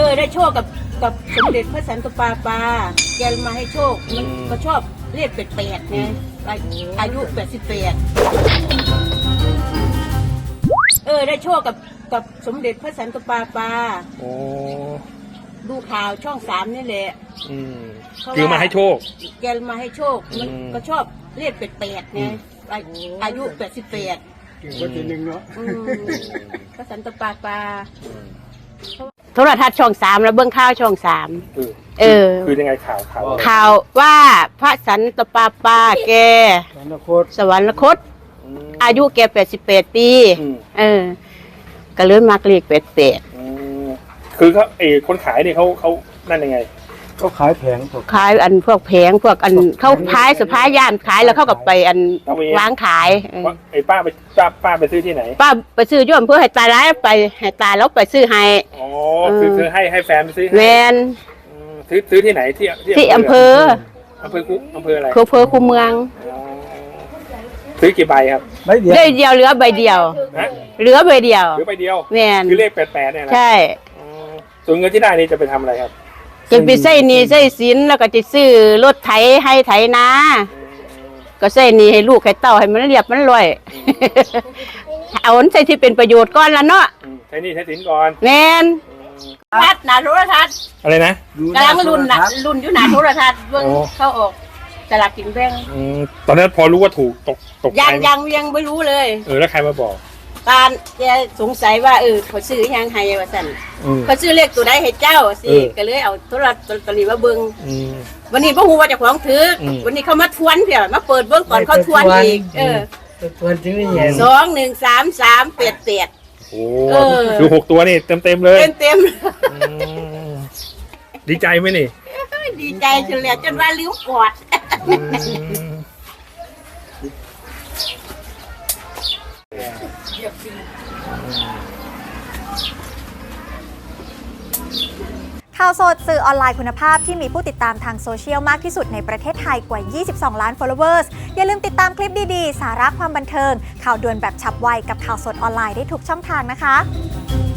ได้โชคกับสมเด็จพระสันตะปาปาแกมาให้โชคมันก็ชอบเรียก88ไงอายุ88ได้โชคกับสมเด็จพระสันตะปาปาดูข่าวช่อง3นี่แหละคือมาให้โชคแกมาให้โชคมันก็ชอบเรียก88ไงอายุ88 ก็จะหนึ่งเนาะพระสันตะปาปาโทรทัศน์ช่อง3แล้วเบื้องข้าวช่อง3 คือยังไงข่าวว่าพระสันตะปาปาแกสวรรคตอายุแก88ปีก็เลยมาเรียก88 คือเขาคนขายเนี่ยเขานั่นยังไงเขาขายแผงขายพวกแผงพวกเขาขายสะพายย่านขายแล้วเขาก็ไปวางขายป้าไปซื้อที่ไหนป้าไปซื้อย่อมเพื่อให้ตาร้ายไปให้ตาแล้วไปซื้อให้คือให้แฟนไปซื้อแมนซื้อที่ไหนที่อำเภออะไรอำเภอคูเมืองซื้อกี่ใบครับใบเดียวเหลือใบเดียวเหลือใบเดียวแมนคือเลข88เนี่ยนะใช่ส่วนเงินที่ได้นี่จะไปทำอะไรครับจะไปใส่นี่ใส่สินแล้วก็จะซื้อรถไถให้ไถนาก็ใส่นี่ให้ลูกให้เต้าให้มันเรียบมันรวยเอาใส่ที่เป็นประโยชน์ก่อนละเนาะใช้นี่ใช้สินก่อนแมนทัดหนาโทรทัศน์อะไรนะกำลังรุ่นอยู่หนาโทรทัศน์เบื้องเข้าออกตลาดกินแบงตอนนั้นพอรู้ว่าถูกตกยังไม่รู้เลยแล้วใครมาบอกการแกสงสัยว่าเขาซื้อยังไงวะสันเขาซื้อเลขตัวใดให้เจ้าสิก็เลยเอาโทรศัพท์ตัวนี้มาเบิ้งวันนี้พ่อฮูว่าจะของถือวันนี้เขามาทวนเพี่ยมาเปิดเบิ้งก่อนเขาทวนอีกทวนจริงนี่ 2 1 3 3 8 8 คือ6ตัวนี่เต็มเลยเต็มดีใจไหมนี่ดีใจจนเหลือจนว่าลิ้วกอดข่าวสดสื่อออนไลน์คุณภาพที่มีผู้ติดตามทางโซเชียลมากที่สุดในประเทศไทยกว่า 22 ล้าน followers อย่าลืมติดตามคลิปดีๆ สาระความบันเทิงข่าวด่วนแบบฉับไวกับข่าวสดออนไลน์ได้ทุกช่องทางนะคะ